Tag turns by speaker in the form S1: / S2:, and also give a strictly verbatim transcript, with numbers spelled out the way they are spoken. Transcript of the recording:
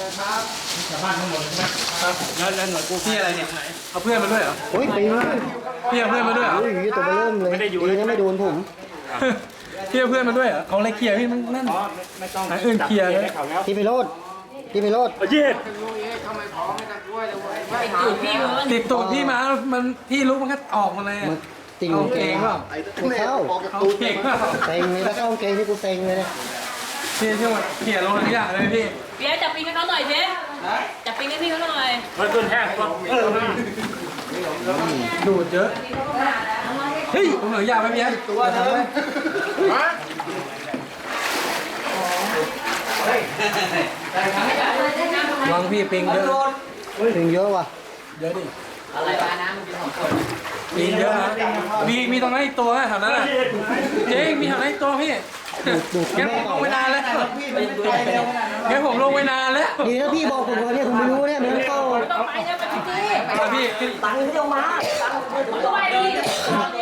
S1: ชาวบ้านทั้งหมดใช่ไหมครับแล้วแล้วหน่วยกู้พี่อะไรเนี่ยเอาเพื่อนมาด้วยเหรอ
S2: โอ้ยปีน
S1: พี่เอาเพื่อนมาด้วยเหรอ
S2: โอ้ยตัวมาเริ่มเลยปีนั้นไม่โดนผม
S1: พี่เอาเพื่อนมาด้วยเหรอเอาอะไรเคลียร์พี่มันนั่นอันอื่นเคลียร์เลย
S2: พี่ไปโรดพี่ไปโรด
S1: เย็ด
S3: ตูดพี่มึง
S1: ติดตูดพี่มามันพี่ลุกมันก็ออกมาเลย
S2: มันติ่ง
S1: เอาเกงเปล่า
S2: ไม่เข้า
S1: เอาเกงเปล่า
S2: เต็งเลยถ้าเข้าเกงนี่กูเต็งเลยเนี่ย
S1: พี่ช่วยเคลียร์ลงทุกอย่างเลยพี่
S3: เปียจับปิงให้เขาหน่อยเจ๊จับปิงให้พี่เขาหน่อย
S1: มันต้นแห้งดูดเยอะเฮ้ยผมเหลือยาไปเพี้ยตัวทำไมวางพี่ปิงเยอะ
S2: ติ่งเยอะว่ะ
S1: เยอะดิ
S3: อะไรวะน้ำมึงกินของคน
S1: ปิงเยอะนะมีมีตรงนั้นอีกตัวแถวนั้นอ่ะเจ๊มีแถวนั้นอีกตัวพี่งั้นผมลงไปนานแล้วงั้นผมลงไปนานแล้ว
S2: ดีนะพี่บอกผมก่อนเนี่ยผมไม่รู้เนี่ยมันเข้า
S3: ต้องไปเนี่ยไปพี่
S1: พี่
S2: ตังค์ที่เอามา
S3: ต้องไปดิ